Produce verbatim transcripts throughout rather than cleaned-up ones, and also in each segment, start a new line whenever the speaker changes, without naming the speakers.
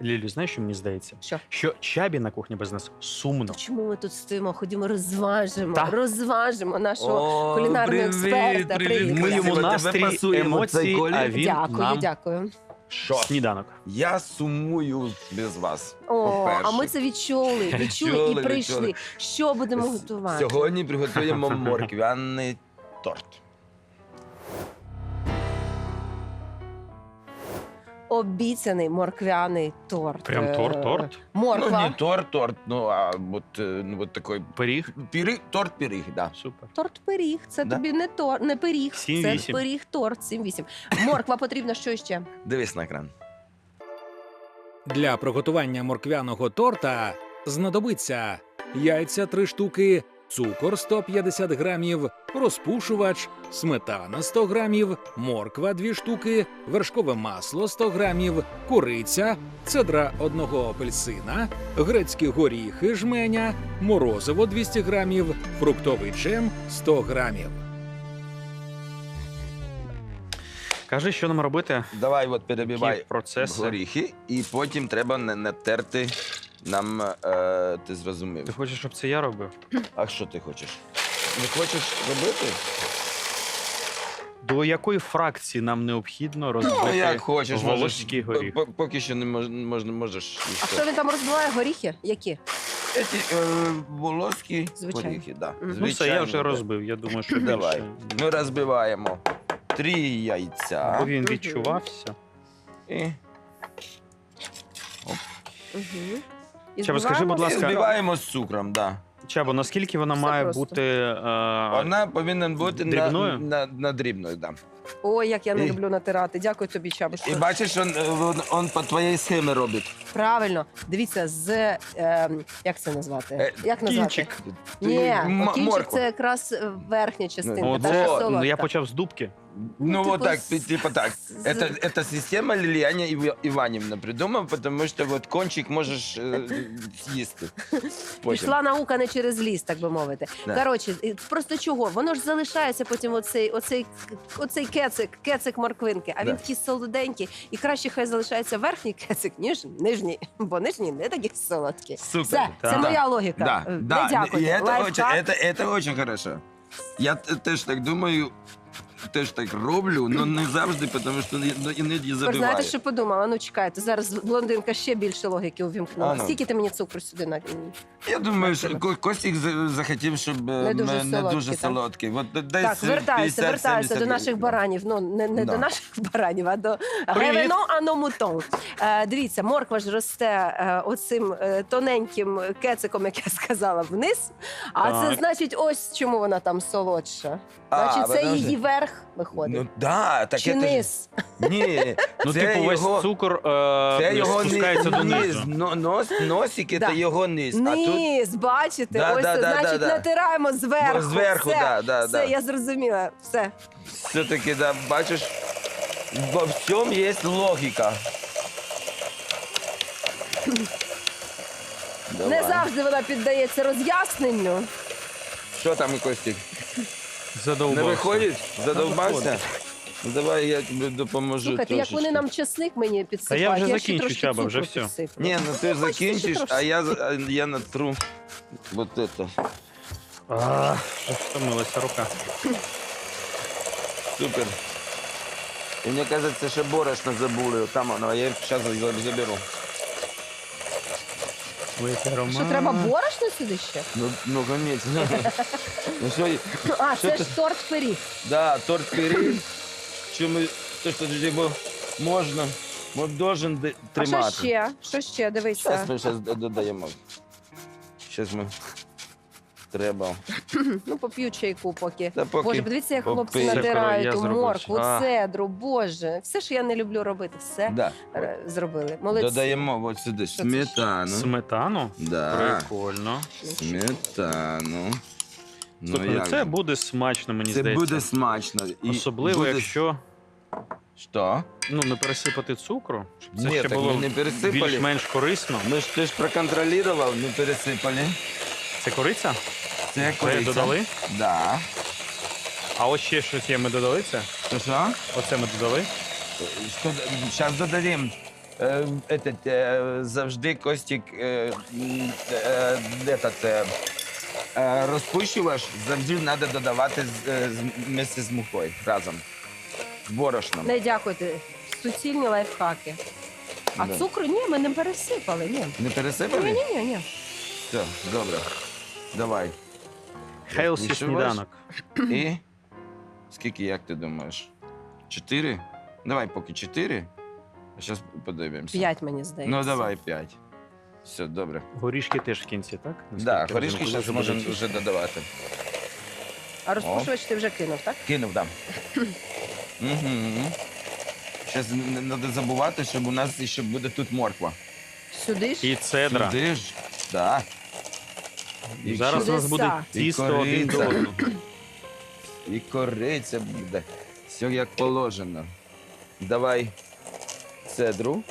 Лілю, знаєш, що мені здається?
Що?
Що Чабі на кухні без нас сумно.
Чому ми тут стоїмо? Ходімо, розважимо,
Та.
розважимо нашого
О,
кулінарного
привіт,
експерта.
привіт,
Привіт.
Ми йому
Тебе
настрій,
пасуємо цей
емоції,
колір.
а він
Дякую,
нам
дякую.
Що?
сніданок.
Я сумую без вас.
О,
по-перше.
а ми це відчули, відчули
Відчули,
і прийшли.
відчули.
Що будемо
С-
готувати?
Сьогодні приготуємо морквяний торт.
Обіцяний морквяний торт.
Прям
Е,
торт-торт?
Морква.
Ну, не торт, торт, ну, а вот, э, ну, вот такой
Пиріг.
пиріг, торт-пиріг, да.
Супер.
Торт-пиріг. Це
Да?
тобі не тор, не пиріг.
сім
Це
вісім.
пиріг-торт сім вісім. Морква потрібна що ще?
Дивись на екран.
Для приготування морквяного торта знадобиться яйця три штуки, цукор сто п'ятдесят грамів, розпушувач, сметана сто грамів, морква дві штуки, вершкове масло сто грамів, куриця, цедра одного апельсина, грецькі горіхи жменя, морозиво двісті грамів, фруктовий джем сто грамів.
Кажи, що нам робити?
Давай от
Які
перебивай
процеси?
горіхи, і потім треба на- натерти нам, е, ти зрозумів.
Ти хочеш, щоб це я робив?
А що ти хочеш? Не хочеш робити?
До якої фракції нам необхідно розбити
Ну, як хочеш,
волоський
можеш,
горіх?
по- поки що не мож, можна, можеш. і
А
все.
що він там розбиває? Горіхи? Які?
Ці, е, волоські
Звичайно.
горіхи, да.
Мгм.
Ну все, я вже
да.
розбив. Я думаю, що
Давай.
більше.
Ми розбиваємо три яйця.
Бо він
Мгм.
відчувався.
І
Угу. І
Чаба, скажи, будь
збиваємо
ласка,
все?
збиваємо з цукром, да.
Чабо, наскільки вона
Все
має
просто.
бути е,
Вона повинна бути на,
дрібною?
на, на дрібною, да.
Ой, як я не
І-
люблю натирати. Дякую тобі, Чабо.
І
що-
бачиш, він, він, він по твоїй схемі робить.
Правильно. Дивіться, з е, як це назвати?
Е,
Як назвати?
кінчик.
Ні,
М-
кінчик
морква.
це якраз е, верхня частинка.
Ну,
та,
от,
що
О,
солодка.
ну, я почав з дубки.
Ну,
Ну,
вот
типа
так,
с-
типа так.
с-
Это, это система Лилияна Ив- Иванівна придумала, потому что вот кончик можеш е, з'їсти. Потім.
Пішла наука не через ліс, так би мовити.
Да.
Коротше, і просто чого? Воно ж залишається потім оцей, оцей, оцей кецик, кецик морквинки, а він
Да.
такий солоденький. І краще хай залишається верхній кецик, ніж нижній, бо нижній не такий солодкий.
Супер.
Все, це
Так.
моя логіка.
Да,
Е,
да.
Не дякую.
И это,
Лайфхак.
очень, это, это очень хорошо. Я т- теж так думаю, теж так роблю, але не завжди, тому що ну, іноді
Тепер
забиваю.
знаєте, що подумала? Ну чекайте, зараз блондинка ще більше логіки увімкнула.
А, ну.
Скільки ти мені цукру сюди на
Я думаю, що Ко- Костік за- захотів, щоб е,
Не дуже
м, не
солодкий,
дуже
так?
солодкий. От десь
так, вертаюся,
п'ятдесят
вертаюся до
сімдесят
наших
гривень.
баранів. Ну не, не
Да.
до наших баранів, а до
Привіт.
ревено аномутон. Е, дивіться, морква ж росте е, оцим е, тоненьким кециком, як я сказала, вниз. А це
Так.
значить, ось чому вона там солодша.
А,
Значить, це
подожди.
її верх виходить.
Ну да, так
Чи
это ж-
низ?
Ні,
Ну,
це
типу, весь
його,
цукор
це
е,
його
спускається
низ,
донизу.
но- нос, носик
Да.
це його низ. А тут
Низ, бачите,
Да,
ось
да,
це,
да,
значить,
да, да.
натираємо зверху.
Зверху,
все,
да, да,
все,
да.
я зрозуміла. Все.
все-таки, да, бачиш, во всьому є логіка.
Не
Давай.
завжди вона піддається роз'ясненню.
Що там, Костік?
Задовбався.
Не виходить? Задовбався?
виходить.
Ну, давай я тобі допоможу.
Слухайте, як вони
трошечки.
нам чесник мені підсипають.
Та я вже
ще
закінчу,
трошки
Чаба, вже
цукру
все.
підсиплю.
Ні, ну ти
Хочете ще
закінчиш,
трошки?
а я, а я натру вот это.
А, втомилася рука.
Супер. І мені кажеться, ще борошно забули. Там воно, а я зараз заберу.
Що, треба борошно сюди ще?
Ну, ну, конечно. Ну, що,
А,
Що
це
ти-
ж торт пиріг.
да, торт пиріг. Що ми, то, що його можна, от должен де-
А
тримати.
що ще? Що ще? Дивися.
Зараз ми зараз додаємо. Зараз ми треба.
Ну, поп'ю чайку поки.
Та поки
Боже, подивіться, як хлопці
попий.
натирають
Я
ту
зробив.
моркву,
А.
цедру, боже. Все, що я не люблю робити, все
Да.
е, зробили. Молодці.
Додаємо от сюди
Що це?
сметану.
Сметану?
Да.
Прикольно.
Сметану. Ну,
Слухай, ну
як
це
же?
буде смачно, мені
Це
здається.
буде смачно. І
Особливо,
буде-
якщо
Що?
ну, не пересипати цукру, щоб це
Ні,
ще
так
було
ми не пересипали.
більш-менш корисно.
Ми ж ти ж проконтролював, не пересипали.
Це кориця?
Це
Це
кориця.
додали?
Да.
А ось ще щось є, ми додали це?
Що що?
Оце ми додали.
Що, зараз додаємо. е, этот, е, завжди Костік е, м, е, этот, е, е, розпущувач завжди треба додавати з, е, з, вместе з мукою разом. З борошном.
Не дякуйте. Суцільні лайфхаки. А
Да.
цукру ні, ми не пересипали. Ні.
Не пересипали?
Ні, ні, ні, ні.
Все, добре. Давай.
Хейлсі
Розпушувач.
сніданок.
І скільки, як ти думаєш? Чотири? Давай поки чотири. А зараз подивимося.
П'ять, мені здається.
Ну, давай п'ять. Все, добре.
Горішки теж в кінці, так?
Так,
Наскільки
да,
я
горішки
розумію,
зараз
коли
можемо
буде
вже додавати.
А розпушувач ти вже кинув, так?
Кинув, так. Угу. Зараз не треба забувати, щоб у нас ще буде тут морква.
Сюди ж.
І цедра.
Сюди ж? Так. І
Зараз у нас буде
Чудеса.
тісто
І
один до
кориця.
одного.
І кориця буде. Все як положено. Давай цедру.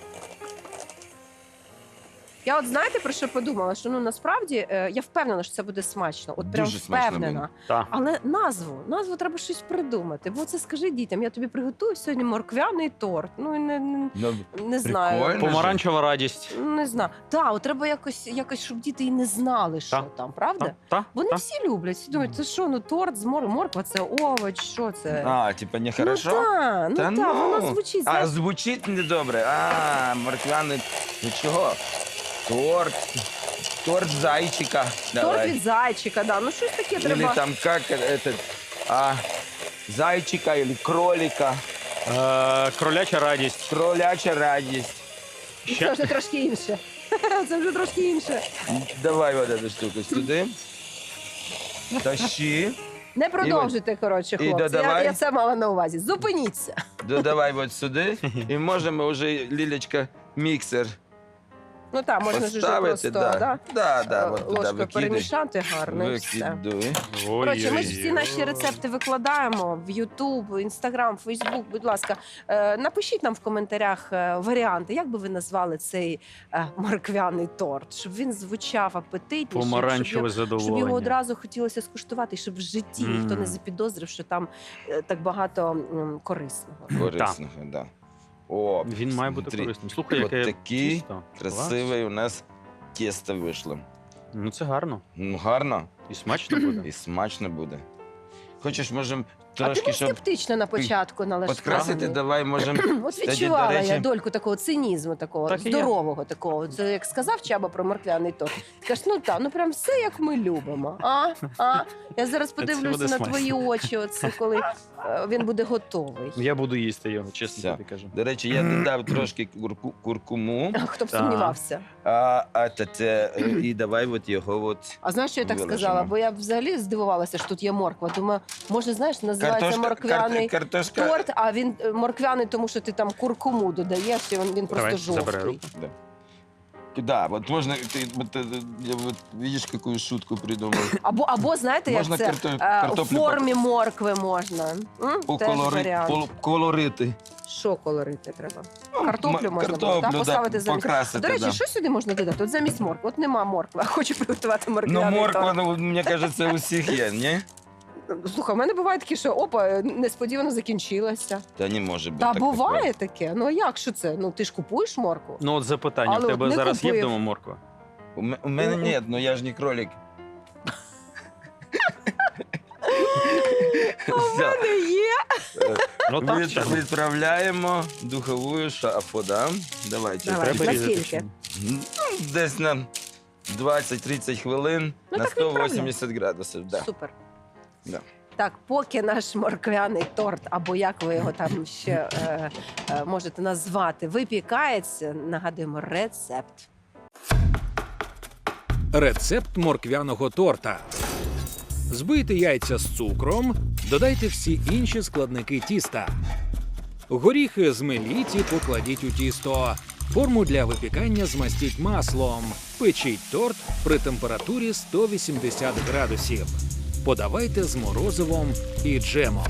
Я от знаєте, про що подумала? Що ну насправді е, я впевнена, що це буде смачно. От прям
Дуже смачно
впевнена.
буде.
Так.
Але назву, назву треба щось придумати. Бо це скажи дітям, я тобі приготую сьогодні морквяний торт. Ну і не, не,
Ну,
не знаю.
Прикольно.
Помаранчева радість.
Не знаю. Так, от треба якось, якось, щоб діти і не знали, що
Так.
там, правда?
Так, так,
Вони
так.
всі люблять. Всі думають, це що, ну торт з мор... морква, це овоч, що це?
А, типа не хорошо?
Ну так, ну
Та
так,
ну.
воно звучить.
А,
знаєш,
звучить недобре. А, морквяний. Ну чого? Торт. Торт зайчика.
торт
Давай.
від зайчика, да. Ну щось таке
Или
треба.
там как этот, а, зайчика или кролика.
Е, кроляча радість.
Кроляча радість.
Це
Ще
вже трошки інше. Це вже трошки інше.
Давай вот эту штуку сюди. Тащи.
Не продовжуйте, коротше,
і
хлопці. Я,
додавай.
я це мала на увазі. Зупиніться.
Додавай вот сюди. І можемо вже, Лілечка, міксер
Ну так, можна ж уже
поставити.
просто
Да,
да,
да, да,
е,
вот туди
ложкою
викидай.
перемішати гарно і все.
Викидуй.
Коротше, ми ж всі наші рецепти викладаємо в YouTube, Instagram, Facebook. Будь ласка, е, напишіть нам в коментарях е, варіанти, як би ви назвали цей е, морквяний торт, щоб він звучав апетитніше,
помаранчеве
щоб, його- щоб
задоволення.
його одразу хотілося скуштувати, і щоб в житті ніхто не
Мм.
запідозрив, що там е, так багато м, корисного.
Корисного, да. О,
Він має бути
смотри,
корисним. Слухай,
от
яке
такий
тісто.
красивий у нас тісто вийшло.
Ну це гарно.
Ну, гарно
І смачно буде.
і смачно буде. Хочеш, можемо
А ти
трошки,
був
щоб
скептично на початку налаштований.
підкрасити, давай можемо.
От
Кстати,
відчувала
до речі-
я дольку такого цинізму, такого
Так і є.
здорового такого. Це як сказав Чаба про морквяний торт. Кажеш, ну так, ну прям все як ми любимо. А? А? Я зараз
Це
подивлюся
буде
на
смачно.
твої очі, оце коли е, він буде готовий.
Я буду їсти його, чесно
Все.
тобі кажу.
До речі, я додав трошки курку, куркуму.
Хто б
Так.
сумнівався.
А, а те, те, е, і давай от його от.
А знаєш, що я так
Виложимо.
сказала? Бо я взагалі здивувалася, що тут є морква. Думаю, може, знаєш, називається морквяний
кар- картошка.
торт, а він е, морквяний, тому що ти там куркуму додаєш, і він, він просто
Давай, забирай
жовтий.
руку.
Да. Да, вот можно, ты, вот, э, я вот, видишь, какую шутку придумал.
Або, або знаєте, як
Можна
це
карто-
е, в
картоплю
формі моркви можна. М? Теж
Поколори,
варіант.
кол- колорити.
Що колорити треба?
Ну,
Картоплю
м-
можна було,
картоплю,
так,
да,
поставити замість.
покрасити,
До речі,
да.
що сюди можна додати? От замість моркви. От нема моркви, а хочу приготувати
Ну,
морквяний
морква,
торт.
ну, мені кажеться, у всіх є, ні?
Слухай, в мене буває таке, що опа, несподівано закінчилася.
Та не може бути.
Та
так
буває таке. Ну а як що це? Ну ти ж купуєш моркву?
Ну от запитання,
Але
в тебе
от не
зараз є
купив.
вдома морква?
У, м- у мене ні, ну я ж не кролик. Все.
Не є.
Ну так,
Від-
чесно.
Відправляємо в духову шафу, да? Давайте.
Давай.
Треба різати.
Наскільки?
чи ні?
Ну, десь на двадцять-тридцять хвилин
Ну,
на
так
сто
відправляй.
вісімдесят градусів. Да.
Супер.
Да.
Так, поки наш морквяний торт, або як ви його там ще е, е, можете назвати, випікається, нагадуємо рецепт.
Рецепт морквяного торта. Збийте яйця з цукром, додайте всі інші складники тіста. Горіхи змеліть і покладіть у тісто. Форму для випікання змастіть маслом. Печіть торт при температурі сто вісімдесят градусів. Подавайте з морозивом і джемом.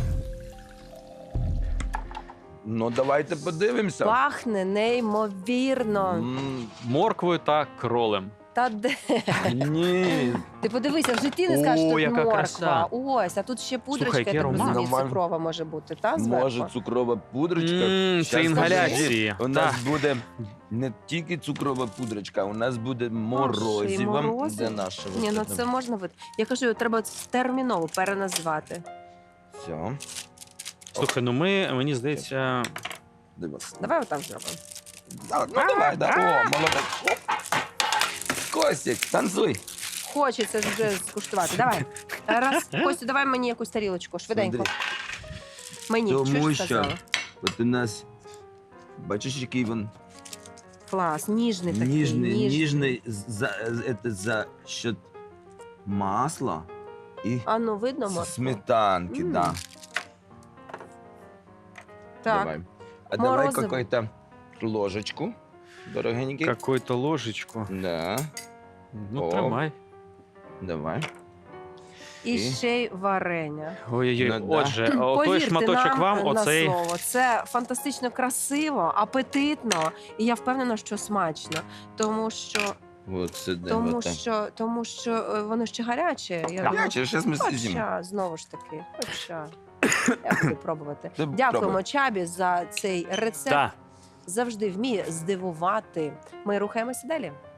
Ну, давайте подивимося.
Пахне неймовірно.
М,
Морквою та кролем.
Та де?
Ні.
Ти подивися, в житті не
О,
скажеш, тут
яка
морква.
краса.
Ось, а тут ще пудрочка,
Слухай,
я
який
так
аромат.
розумію,
Нормально.
цукрова може бути, та, зверху?
Може цукрова пудрочка.
М,
Щас
Це інгаляції.
У нас
Так.
буде не тільки цукрова пудрочка, у нас буде морозиво.
морозиво?
Де наше?
Ні, ну
от
це можна вид. Я кажу, треба терміново переназвати.
Все.
Слухай, ну ми, мені здається,
Дивись.
Давай отак зробимо.
Да, ну давай, да. О, молодець. Оп. Костік, танцуй.
Хочеться ж вже скуштувати. Давай. Раз, Костю, давай мені якусь тарілочку, швиденько.
Смотри.
Мені,
Тому
чуєш,
що-
сказала?
От у нас, бачиш, який він
Клас, ніжний такий.
ніжний, ніжний, за, это за счет масла і
А ну, видно, моркву?
сметанки,
М.
да.
Так.
Давай. А давай
Морозиво.
какую-то ложечку, дорогенький.
какую-то ложечку.
Да,
Ну,
О.
тримай.
давай.
І
І?
ще й варення.
Ой-ой-ой.
Ну, да.
Отже, о, той
Повірте
шматочок
нам
вам,
на
оцей.
слово. Це фантастично красиво, апетитно, і я впевнена, що смачно. Тому що,
Вот сюди.
тому
вот так.
що, тому що е, воно ще гаряче. Я думаю,
Гаряче, зараз ми з'їмо.
Хоча, знову ж таки, хоча. Я буду пробувати.
Ти
Дякуємо
пробуй.
Чабі за цей рецепт.
Так.
Завжди вміє здивувати. Ми рухаємося далі.